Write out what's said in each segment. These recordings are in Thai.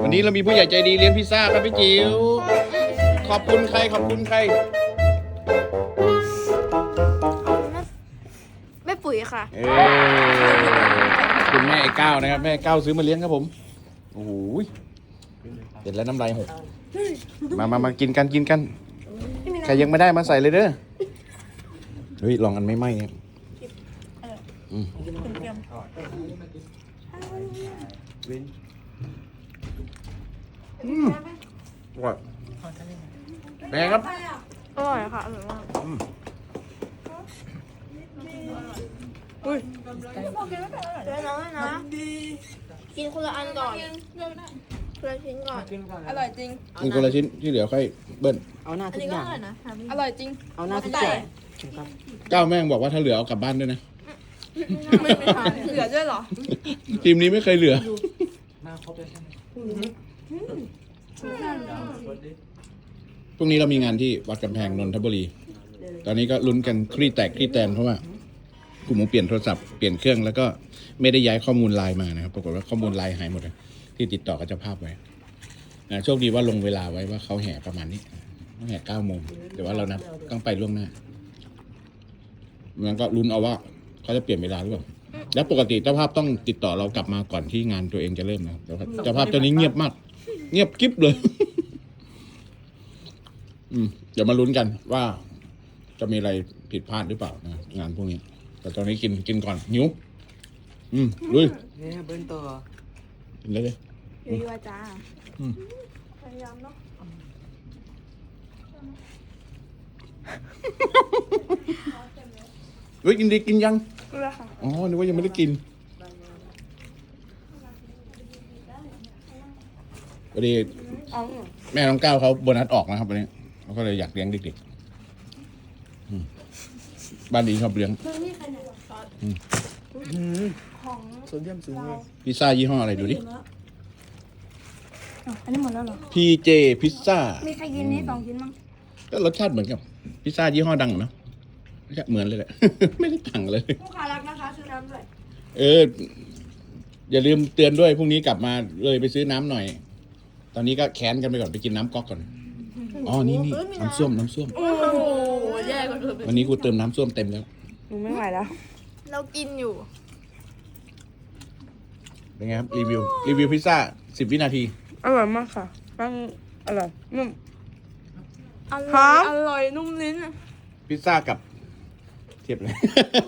วันนี้เรามีผู้ใหญ่ใจดีเลี้ยงพิซซ่าครับพี่จิ๋วขอบคุณใครขอบคุณใครแม่ปุ๋ยค่ะคุณแม่ไอ้ก้าวนะครับแม่ก้าวซื้อมาเลี้ยงครับผมโอ้โหเสร็จแล้วน้ำลายหกมากินกันใครยังไม่ได้มาใส่เลยเด้อเฮ้ยลองอันไม่ไหม้ครับอร่อยแม่ครับอร่อยค่ะอร่อยมากอุ้ยเดี๋ยวนะกินคนละอันก่อนคนละชิ้นก่อนอร่อยจริงกินคนละชิ้นที่เหลือค่อยเบิ้ลเอาหน้าทุกอย่างอร่อยจริงเอาหน้าทุกอย่างก้าวแม่งบอกว่าถ้าเหลือเอากลับบ้านด้วยนะไม่ทานเหลือด้วยเหรอทีมนี้ไม่เคยเหลือพรุ่งนี้เรามีงานที่วัดกำแพงนนทบุรีตอนนี้ก็ลุ้นกันคลี่แตกคลี่แตนเพราะว่ากลุ่มเปลี่ยนโทรศัพท์เปลี่ยนเครื่องแล้วก็ไม่ได้ย้ายข้อมูลไลน์มานะครับปรากฏว่าข้อมูลไลน์หายหมดเลยที่ติดต่อกับเจ้าภาพไว้โชคดีว่าลงเวลาไว้ว่าเขาแห่ประมาณนี้แห่9 โมงแต่ว่าเรานัดต้องไปล่วงหน้ามันก็ลุ้นเอาว่าเขาจะเปลี่ยนเวลาหรือเปล่าแล้วปกติเจ้าภาพต้องติดต่อเรากลับมาก่อนที่งานตัวเองจะเริ่มนะเจ้าภาพตอนนี้เงียบมากเงียบกิ๊บเลยเดี๋ยวมาลุ้นกันว่าจะมีอะไรผิดพลาดหรือเปล่านะงานพวกนี้แต่ตอนนี้กินก่อนหิวลุยเนี่ยเบิ้ลตัวกินเลยดีว่าจ้าพยายามเนาะเฮ้ยกินดีกินยังแล้วค่ะอ๋อนึกว่ายังไม่ได้กินพอดีแม่น้องก้าวเขาโบนัสออกนะครับวันนี้เขาก็เลยอยากเลี้ยงเด็กๆบ้านนี้ชอบเลี้ยงของโซเดียมสูงเลยพิซซ่ายี่ห้ออะไรดูดิอันนี้หมดแล้วเหรอ PJ พิซซ่ามีใครกินนี่2 ชิ้นมั้งก็รสชาติเหมือนกับพิซซ่ายี่ห้อดังเนาะเหมือนเลยแหละ ไม่ได้ต่างเลยลูกค้ารักนะคะซื้อน้ำด้วยอย่าลืมเตือนด้วยพรุ่งนี้กลับมาเลยไปซื้อน้ำหน่อยตอนนี้ก็แค้นกันไปก่อนไปกินน้ำก๊อกก่อนอ๋อนี่น้ำส้วมโอ้โหแย่กว่าเดิมวันนี้กูเติมน้ำส้วมเต็มแล้วหนูไม่ไหวแล้วเรากินอยู่เป็นไงครับรีวิวพิซซ่า10 วินาทีอร่อยมากค่ะมันอร่อยนุ่มอร่อยนุ่มลิ้นพิซซ่ากับเทียบเลย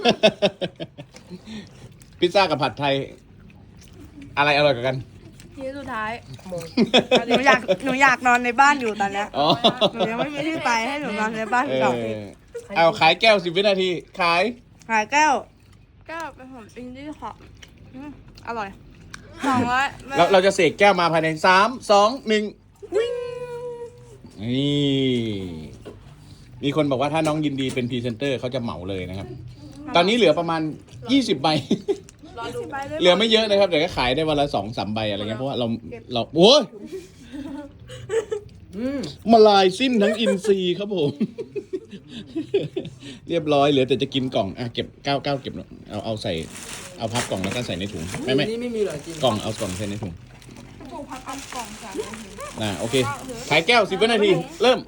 พิซซ่ากับผัดไทยอะไรอร่อยกว่ากันทีสุดท้ายหนูอยากนอนในบ้านอยู่ตอนนี้หนูยังไม่มีที่ไปให้หนูนอนในบ้านก่อนเอาขายแก้ว10 วินาทีขายแก้วเป็นของอินดี้ค่ะอร่อย200 เราจะเสกแก้วมาภายใน3 2 1นี่มีคนบอกว่าถ้าน้องยินดีเป็นพรีเซนเตอร์เขาจะเหมาเลยนะครับตอนนี้เหลือประมาณ20 ใบเหลือไม่เยอะนะครับเดี๋ยวก็ขายได้วันละ2-3 ใบอะไรเงี้ยเพราะว่าเราโอ้ยมาลายสิ้นทั้งอินซีครับผมเรียบร้อยเหลือแต่จะกินกล่องเก็บ9เก็บเอาใส่เอาพับกล่องแล้วก็ใส่ในถุงไม่นี่มีหรอจริงกล่องเอากล่องใส่ในถุงพับกล่องจ้ะโอเคขายแก้ว10 วินาทีเริ่ม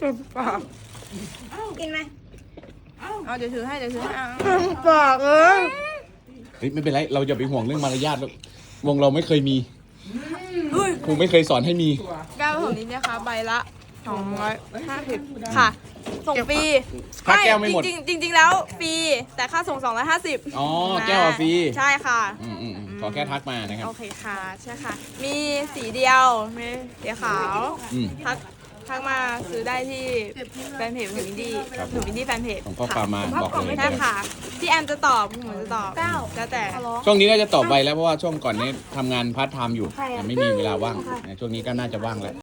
กินไหมเดี๋ยวถือให้ปากไม่เป็นไรเราอย่าไปห่วงเรื่องมารยาทแล้ววงเราไม่เคยมีครูไม่เคยสอนให้มีแก้วของนี้นะคะใบละ250ค่ะส่งฟรีถ้าแก้วไม่หมดจริงแล้วฟรีแต่ค่าส่ง250 อ๋อแก้วฟรีใช่ค่ะขอแค่ทักมานะครับโอเคค่ะใช่ค่ะมีสีเดียวมีสีขาวทักมาซื้อได้ที่แฟนเพจของอินดี้แฟนเพจของข้อความมาบอกเลยใช่ค่ะพี่แอมจะตอบผมจะตอบแล้วแต่ช่วงนี้น่าจะตอบไวแล้วเพราะว่าช่วงก่อนนี้ทำงานพาร์ทไทม์อยู่ไม่มีเวลาว่างช่วงนี้ก็น่าจะว่างแล้ว